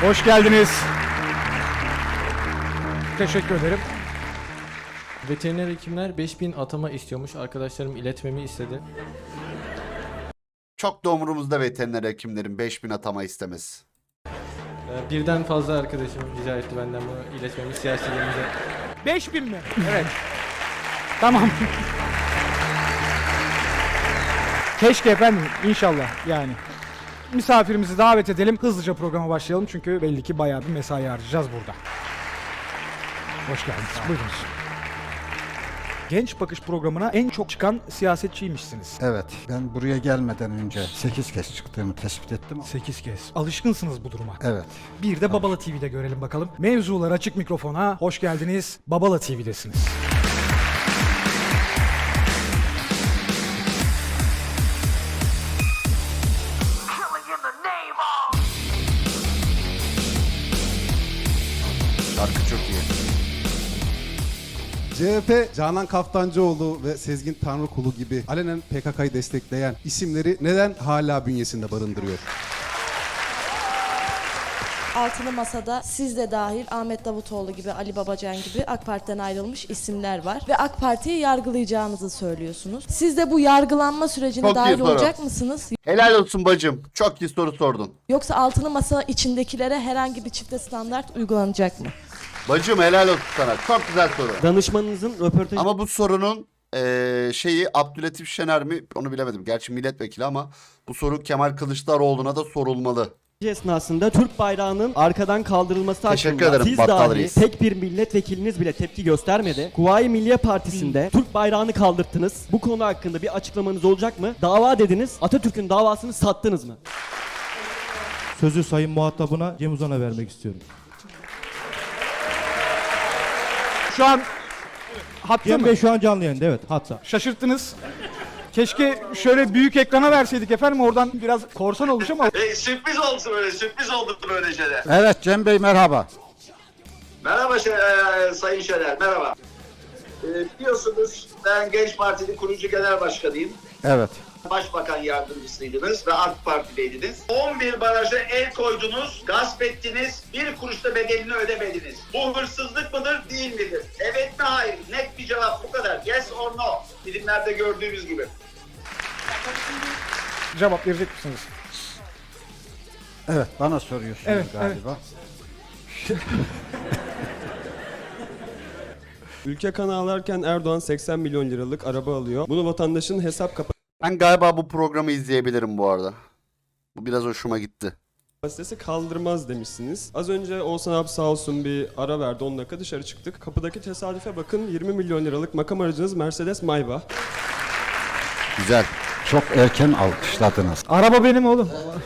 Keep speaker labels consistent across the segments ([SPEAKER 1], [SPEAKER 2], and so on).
[SPEAKER 1] Hoş geldiniz. Teşekkür ederim.
[SPEAKER 2] Veteriner hekimler 5000 atama istiyormuş. Arkadaşlarım iletmemi istedi.
[SPEAKER 3] Çok da umurumuzda veteriner hekimlerin 5000 atama istemesi.
[SPEAKER 2] Birden fazla arkadaşım rica etti benden bunu iletmemi siyasilerimize.
[SPEAKER 1] 5000 mi? Evet. Tamam. Keşke efendim, inşallah yani. Misafirimizi davet edelim. Hızlıca programa başlayalım çünkü belli ki bayağı bir mesai harcayacağız burada. Hoş geldiniz. Buyurunuz. Genç Bakış programına en çok çıkan siyasetçiymişsiniz.
[SPEAKER 4] Evet, ben buraya gelmeden önce 8 kez çıktığımı tespit ettim.
[SPEAKER 1] 8 kez. Alışkınsınız bu duruma.
[SPEAKER 4] Evet.
[SPEAKER 1] Bir de Babala TV'de görelim bakalım. Mevzular açık mikrofona. Hoş geldiniz. Babala TV'desiniz.
[SPEAKER 3] Şarkı çok iyi.
[SPEAKER 5] CHP, Canan Kaftancıoğlu ve Sezgin Tanrıkulu gibi alenen PKK'yı destekleyen isimleri neden hala bünyesinde barındırıyor?
[SPEAKER 6] Altılı Masa'da siz de dahil Ahmet Davutoğlu gibi, Ali Babacan gibi AK Parti'den ayrılmış isimler var. Ve AK Parti'yi yargılayacağınızı söylüyorsunuz. Siz de bu yargılanma sürecine
[SPEAKER 3] Çok iyi
[SPEAKER 6] dahil
[SPEAKER 3] soru.
[SPEAKER 6] olacak mısınız?
[SPEAKER 3] Helal olsun bacım. Çok iyi soru sordun.
[SPEAKER 6] Yoksa Altılı Masa içindekilere herhangi bir çifte standart uygulanacak mı?
[SPEAKER 3] Bacım helal olsun sana. Çok güzel soru.
[SPEAKER 7] Danışmanınızın röportajı
[SPEAKER 3] Ama bu sorunun şeyi Abdülatif Şener mi onu bilemedim. Gerçi milletvekili ama bu soru Kemal Kılıçdaroğlu'na da sorulmalı.
[SPEAKER 7] esnasında Türk bayrağının arkadan kaldırılması
[SPEAKER 3] Teşekkür
[SPEAKER 7] hakkında
[SPEAKER 3] ederim,
[SPEAKER 7] siz
[SPEAKER 3] Battal
[SPEAKER 7] dahi
[SPEAKER 3] Reis.
[SPEAKER 7] tek bir milletvekiliniz bile tepki göstermedi. Kuvayi Milliye Partisi'nde Türk bayrağını kaldırttınız. Bu konu hakkında bir açıklamanız olacak mı? Dava dediniz. Atatürk'ün davasını sattınız mı?
[SPEAKER 8] Sözü sayın muhatabına Cem Uzan'a vermek istiyorum.
[SPEAKER 1] Şu an hatta
[SPEAKER 8] Cem
[SPEAKER 1] mı?
[SPEAKER 8] Bey şu an canlı yayında, evet, hatta.
[SPEAKER 1] Şaşırttınız. Keşke şöyle büyük ekrana verseydik efendim, oradan biraz korsan olmuş ama.
[SPEAKER 9] Sürpriz oldu böyle, sürpriz oldu böyle şeyler.
[SPEAKER 4] Evet Cem Bey merhaba.
[SPEAKER 9] Merhaba Sayın Şener, merhaba. Biliyorsunuz ben Genç Parti'nin kurucu genel başkanıyım.
[SPEAKER 4] Evet.
[SPEAKER 9] Başbakan yardımcısıydınız ve AK Parti'deydiniz. 11 baraja el koydunuz, gasp ettiniz, bir kuruş da bedelini ödemediniz. Bu hırsızlık mıdır, değil midir? Evet mi, hayır? Net bir cevap, bu kadar. Yes or no? Filmlerde gördüğümüz gibi.
[SPEAKER 1] Cevap verecek misiniz?
[SPEAKER 4] Evet bana soruyorsunuz
[SPEAKER 1] Evet,
[SPEAKER 4] galiba.
[SPEAKER 10] Ülke kan ağlarken Erdoğan 80 milyon liralık araba alıyor. Bunu vatandaşın hesap
[SPEAKER 3] Ben galiba bu programı izleyebilirim bu arada. Bu biraz hoşuma gitti.
[SPEAKER 10] kapasitesi kaldırmaz demişsiniz. Az önce Oğuzhan abi sağ olsun bir ara verdi, 10 dakika dışarı çıktık. Kapıdaki tesadüfe bakın, 20 milyon liralık makam aracınız Mercedes Maybach.
[SPEAKER 3] Güzel.
[SPEAKER 4] Çok erken alkışladınız.
[SPEAKER 1] Araba benim oğlum.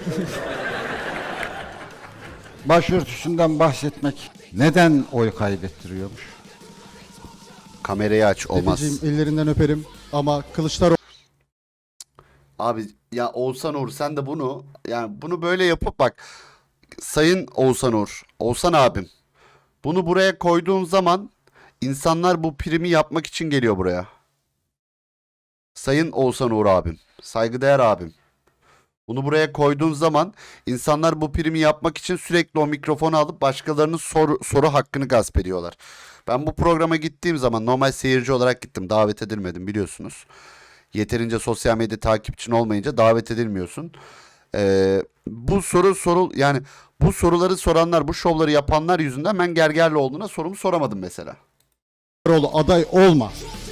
[SPEAKER 4] Başörtüsünden bahsetmek neden oy kaybettiriyormuş?
[SPEAKER 3] Kamerayı aç, olmaz.
[SPEAKER 5] Dedeciğim, ellerinden öperim ama Kılıçdaroğlu
[SPEAKER 3] Abi ya Oğuzhan Uğur sen de bunu yani bunu böyle yapıp bak Sayın Oğuzhan Uğur, Oğuzhan abim bunu buraya koyduğun zaman insanlar bu primi yapmak için geliyor buraya. Sayın Oğuzhan Uğur abim, saygıdeğer abim. Bunu buraya koyduğun zaman insanlar bu primi yapmak için sürekli o mikrofonu alıp başkalarının soru hakkını gasp ediyorlar. Ben bu programa gittiğim zaman normal seyirci olarak gittim. Davet edilmedim biliyorsunuz. Yeterince sosyal medya takipçin olmayınca davet edilmiyorsun. Bu yani bu soruları soranlar, bu şovları yapanlar yüzünden ben Gergerlioğlu'na sorumu soramadım mesela.
[SPEAKER 5] aday olma.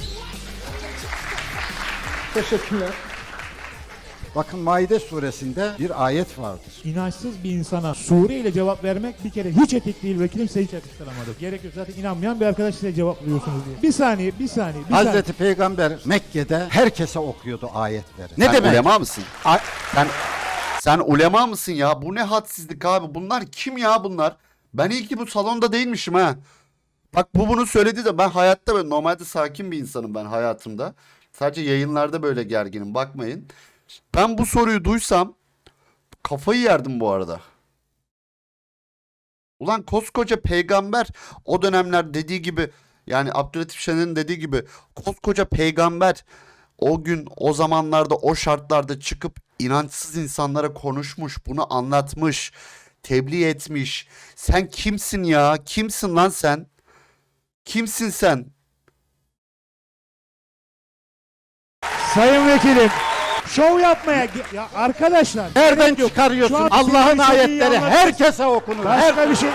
[SPEAKER 1] Teşekkürler.
[SPEAKER 4] Bakın Maide suresinde bir ayet vardır.
[SPEAKER 8] İnançsız bir insana Sure ile cevap vermek bir kere hiç etik değil ve kimse hiç yakıştıramadı. Gerek yok, zaten inanmayan bir arkadaş size cevaplıyorsunuz diye. Bir saniye.
[SPEAKER 4] Hazreti Peygamber Mekke'de herkese okuyordu ayetleri. Ne
[SPEAKER 3] Sen
[SPEAKER 4] demek?
[SPEAKER 3] ulema mısın?
[SPEAKER 4] A-
[SPEAKER 3] Sen ulema mısın ya? Bu ne hadsizlik abi? Bunlar kim ya bunlar? Ben iyi ki bu salonda değilmişim ha. Bak bu bunu söyledi de ben hayatta böyle normalde sakin bir insanım ben hayatımda. Sadece yayınlarda böyle gerginim bakmayın. Ben bu soruyu duysam kafayı yerdim bu arada. Ulan koskoca peygamber o dönemler dediği gibi yani Abdülatif Şener'in dediği gibi koskoca peygamber o gün o zamanlarda o şartlarda çıkıp inançsız insanlara konuşmuş, bunu anlatmış. tebliğ etmiş. Sen kimsin ya? Kimsin lan sen? Kimsin sen?
[SPEAKER 8] Sayın Vekilim, şov yapmaya... Ya arkadaşlar...
[SPEAKER 4] Nereden
[SPEAKER 8] gerek yok.
[SPEAKER 4] çıkarıyorsun?
[SPEAKER 8] Şu an
[SPEAKER 4] Allah'ın
[SPEAKER 8] sizin istediği
[SPEAKER 4] ayetleri
[SPEAKER 8] anlatın.
[SPEAKER 4] herkese okunur.
[SPEAKER 8] Başka bir şey...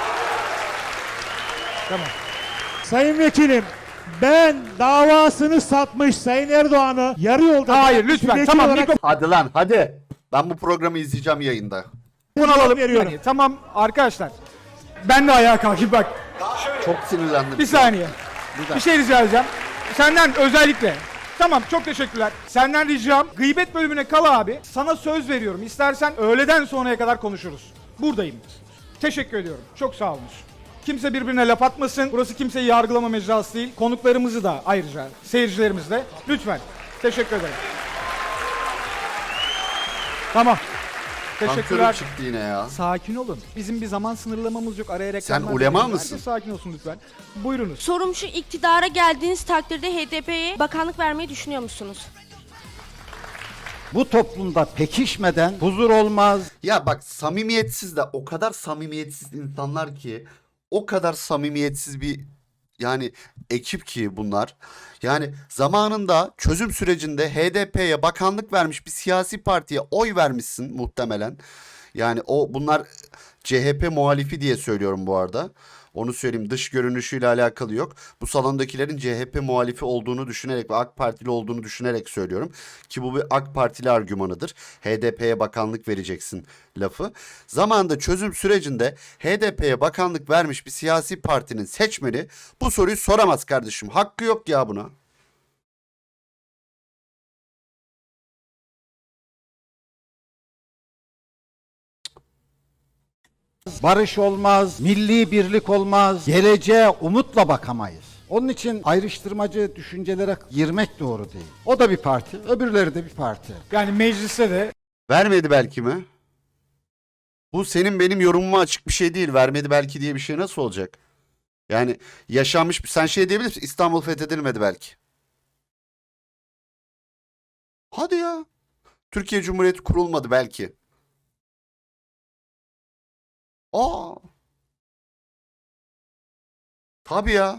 [SPEAKER 8] Tamam. Sayın Vekilim, ben davasını satmış Sayın Erdoğan'ı yarı yolda...
[SPEAKER 1] Hayır
[SPEAKER 8] bırakmış
[SPEAKER 1] lütfen
[SPEAKER 8] bir
[SPEAKER 1] tamam
[SPEAKER 8] vekil olarak
[SPEAKER 1] mikrofon
[SPEAKER 3] Hadi lan hadi. Ben bu programı izleyeceğim yayında.
[SPEAKER 1] alalım.
[SPEAKER 8] veriyorum.
[SPEAKER 1] Yani, tamam arkadaşlar. Ben de ayağa kalkayım bak.
[SPEAKER 3] Çok sinirlendim.
[SPEAKER 1] Bir saniye. Bir şey rica edeceğim. Senden özellikle. Tamam çok teşekkürler. Senden ricam gıybet bölümüne kal abi. Sana söz veriyorum. İstersen öğleden sonraya kadar konuşuruz. Buradayım. Teşekkür ediyorum. Çok sağ olun. Kimse birbirine laf atmasın. Burası kimseyi yargılama mecrası değil. Konuklarımızı da ayrıca seyircilerimiz de. Lütfen. Teşekkür ederim. Tamam.
[SPEAKER 3] Teşekkürler.
[SPEAKER 1] Teşekkürler.
[SPEAKER 3] Çıktı yine ya.
[SPEAKER 1] Sakin olun. Bizim bir zaman sınırlamamız yok. Araya reklamlar...
[SPEAKER 3] Sen ulema
[SPEAKER 1] koyuyoruz.
[SPEAKER 3] mısın?
[SPEAKER 1] Herkes sakin olsun lütfen. Buyurunuz.
[SPEAKER 11] Sorum şu, iktidara geldiğiniz takdirde HDP'ye bakanlık vermeyi düşünüyor musunuz?
[SPEAKER 4] Bu toplumda pekişmeden huzur olmaz.
[SPEAKER 3] Ya bak samimiyetsiz de o kadar samimiyetsiz insanlar ki o kadar samimiyetsiz bir yani ekip ki bunlar. Yani zamanında çözüm sürecinde HDP'ye bakanlık vermiş bir siyasi partiye oy vermişsin muhtemelen. Yani bunlar CHP muhalifi diye söylüyorum bu arada. Onu söyleyeyim, dış görünüşüyle alakalı yok. Bu salondakilerin CHP muhalifi olduğunu düşünerek ve AK Partili olduğunu düşünerek söylüyorum. Ki bu bir AK Partili argümanıdır. HDP'ye bakanlık vereceksin lafı. Zamanında çözüm sürecinde HDP'ye bakanlık vermiş bir siyasi partinin seçmeni bu soruyu soramaz kardeşim. Hakkı yok ya buna.
[SPEAKER 4] Barış olmaz, milli birlik olmaz, geleceğe umutla bakamayız. Onun için ayrıştırmacı düşüncelere girmek doğru değil. O da bir parti, öbürleri de bir parti.
[SPEAKER 1] Yani mecliste de
[SPEAKER 3] Vermedi belki mi? Bu senin benim yorumuma açık bir şey değil. Vermedi belki diye bir şey nasıl olacak? Yani yaşanmış, sen şey diyebilir misin? İstanbul fethedilmedi belki. Hadi ya. Türkiye Cumhuriyeti kurulmadı belki. Aa. Tabii ya.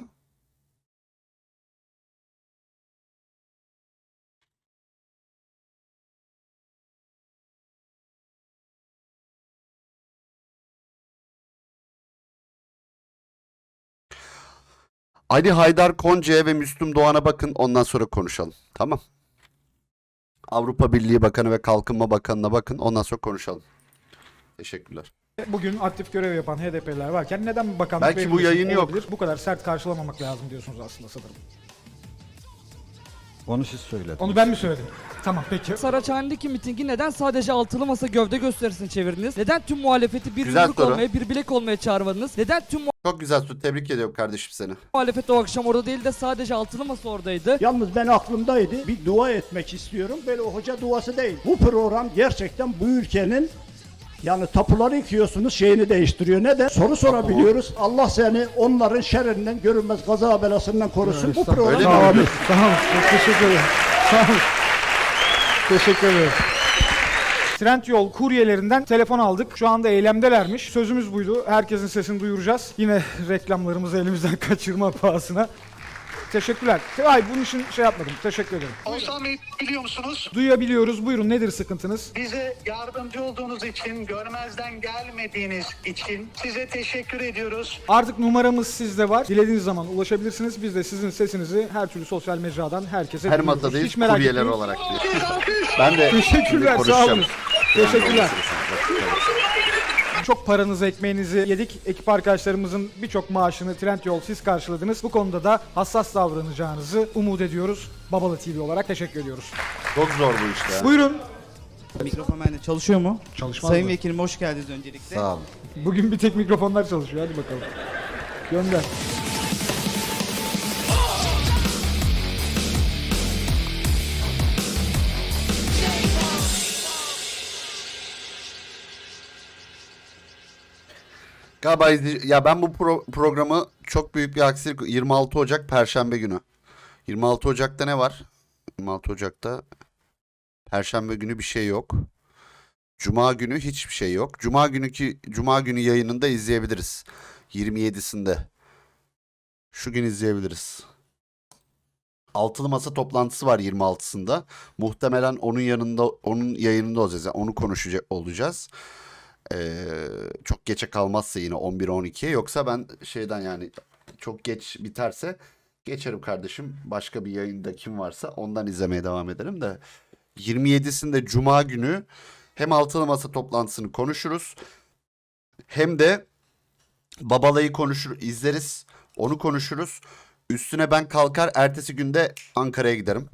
[SPEAKER 3] Ali Haydar Konca'ya ve Müslüm Doğan'a bakın, ondan sonra konuşalım. Tamam. Avrupa Birliği Bakanı ve Kalkınma Bakanı'na bakın, ondan sonra konuşalım. Teşekkürler.
[SPEAKER 1] bugün aktif görev yapan HDP'liler varken neden bakanlık
[SPEAKER 3] Belki bu
[SPEAKER 1] verilmesi
[SPEAKER 3] yayın yok.
[SPEAKER 1] olabilir? Bu kadar sert karşılamamak lazım diyorsunuz aslında sanırım.
[SPEAKER 4] Onu siz söylediniz.
[SPEAKER 1] Onu ben mi söyledim? Tamam peki.
[SPEAKER 12] Saraçhane'deki mitingi neden sadece altılı masa gövde gösterisini çevirdiniz? Neden tüm muhalefeti bir
[SPEAKER 3] Güzel
[SPEAKER 12] yumruk
[SPEAKER 3] soru.
[SPEAKER 12] olmaya, bir bilek olmaya çağırmadınız? Neden tüm
[SPEAKER 3] Çok güzel soru. Tebrik ediyorum kardeşim seni.
[SPEAKER 12] muhalefet o akşam orada değil de sadece altılı masa oradaydı?
[SPEAKER 8] Yalnız ben aklımdaydı. Bir dua etmek istiyorum. Böyle o hoca duası değil. Bu program gerçekten bu ülkenin yani tapuları yıkıyorsunuz şeyini değiştiriyor. Neden? Soru sorabiliyoruz. Allah seni onların şerrinden görünmez kaza belasından korusun. Bu program
[SPEAKER 3] Öyle mi?
[SPEAKER 1] Sağ olun. Sağ olun. Çok teşekkür ederim. Sağ olun. Teşekkür ederim. Trendyol kuryelerinden telefon aldık. Şu anda eylemdelermiş. Sözümüz buydu. Herkesin sesini duyuracağız. Yine reklamlarımızı elimizden kaçırma pahasına. Teşekkürler. Ay bunun için şey yapmadım. Teşekkür ederim.
[SPEAKER 9] Oğuzhan Bey biliyor musunuz?
[SPEAKER 1] Duyabiliyoruz. Buyurun nedir sıkıntınız?
[SPEAKER 9] Bize yardımcı olduğunuz için, görmezden gelmediğiniz için size teşekkür ediyoruz.
[SPEAKER 1] Artık numaramız sizde var. Dilediğiniz zaman ulaşabilirsiniz. Biz de sizin sesinizi her türlü sosyal mecradan herkese
[SPEAKER 3] Her
[SPEAKER 1] duyururuz.
[SPEAKER 3] masadayız
[SPEAKER 1] Hiç merak
[SPEAKER 3] kuryeler
[SPEAKER 1] etmeyin.
[SPEAKER 3] olarak diyor. Ben de
[SPEAKER 1] Teşekkürler,
[SPEAKER 3] şimdi
[SPEAKER 1] sağ
[SPEAKER 3] konuşacağım.
[SPEAKER 1] olun. Teşekkürler.
[SPEAKER 3] Ben de
[SPEAKER 1] Çok paranızı, ekmeğinizi yedik. Ekip arkadaşlarımızın birçok maaşını Trendyol siz karşıladınız. Bu konuda da hassas davranacağınızı umut ediyoruz. Babalı TV olarak teşekkür ediyoruz.
[SPEAKER 3] Çok zor bu işte. ya.
[SPEAKER 1] Buyurun.
[SPEAKER 13] Mikrofon bende çalışıyor mu?
[SPEAKER 1] Çalışmaz
[SPEAKER 13] Sayın
[SPEAKER 1] mı?
[SPEAKER 13] Vekilim hoş geldiniz öncelikle.
[SPEAKER 4] Sağ olun.
[SPEAKER 1] Bugün bir tek mikrofonlar çalışıyor. Hadi bakalım. Gönder.
[SPEAKER 3] Galiba ya ben bu programı çok büyük bir aksilik 26 Ocak Perşembe günü. 26 Ocak'ta ne var? 26 Ocak'ta Perşembe günü bir şey yok. Cuma günü hiçbir şey yok. Cuma günü yayınında izleyebiliriz. 27'sinde. Şu gün izleyebiliriz. Altılı masa toplantısı var 26'sında. Muhtemelen onun yayınında olacağız. Yani onu konuşacak olacağız. Çok geçe kalmazsa yine 11-12'ye. Yoksa ben şeyden yani çok geç biterse geçerim kardeşim. Başka bir yayında kim varsa ondan izlemeye devam ederim de. 27'sinde Cuma günü hem altılı masa toplantısını konuşuruz. Hem de Babalayı izleriz. Onu konuşuruz. Üstüne ben kalkar ertesi günde Ankara'ya giderim.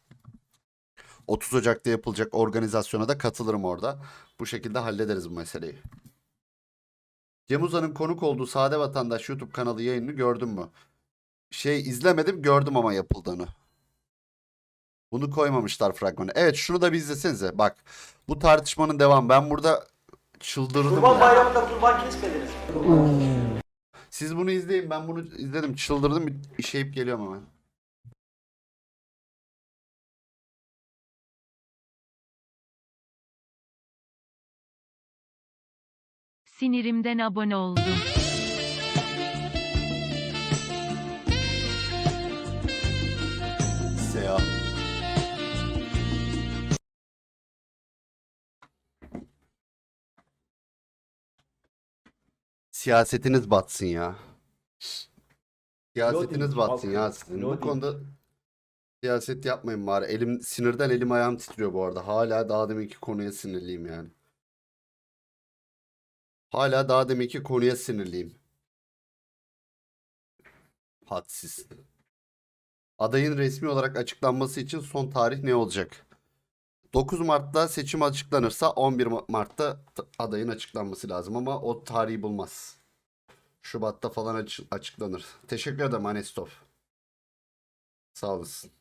[SPEAKER 3] 30 Ocak'ta yapılacak organizasyona da katılırım orada. Bu şekilde hallederiz bu meseleyi. Cem Uzan'ın konuk olduğu Sade Vatandaş YouTube kanalı yayınını gördün mü? İzlemedim, gördüm ama yapıldığını. Bunu koymamışlar fragmanı. Evet, şunu da bir izlesenize. Bak, bu tartışmanın devamı. Ben burada çıldırdım.
[SPEAKER 7] Kurban Bayramı'nda kurban kesmediniz.
[SPEAKER 3] Siz bunu izleyin. Ben bunu izledim. Çıldırdım. Bir işeyip geliyorum hemen.
[SPEAKER 14] Sinirimden abone oldum.
[SPEAKER 3] Seha. Siyasetiniz batsın ya. Siyasetiniz batsın ya sizin. Bu konuda siyaset yapmayın bari. Sinirden elim ayağım titriyor bu arada. Hala daha deminki konuya sinirliyim yani. Hala daha deminki konuya sinirliyim. Hadsiz. Adayın resmi olarak açıklanması için son tarih ne olacak? 9 Mart'ta seçim açıklanırsa 11 Mart'ta adayın açıklanması lazım ama o tarihi bulmaz. Şubat'ta falan açıklanır. Teşekkür ederim Anestov. Sağ olasın.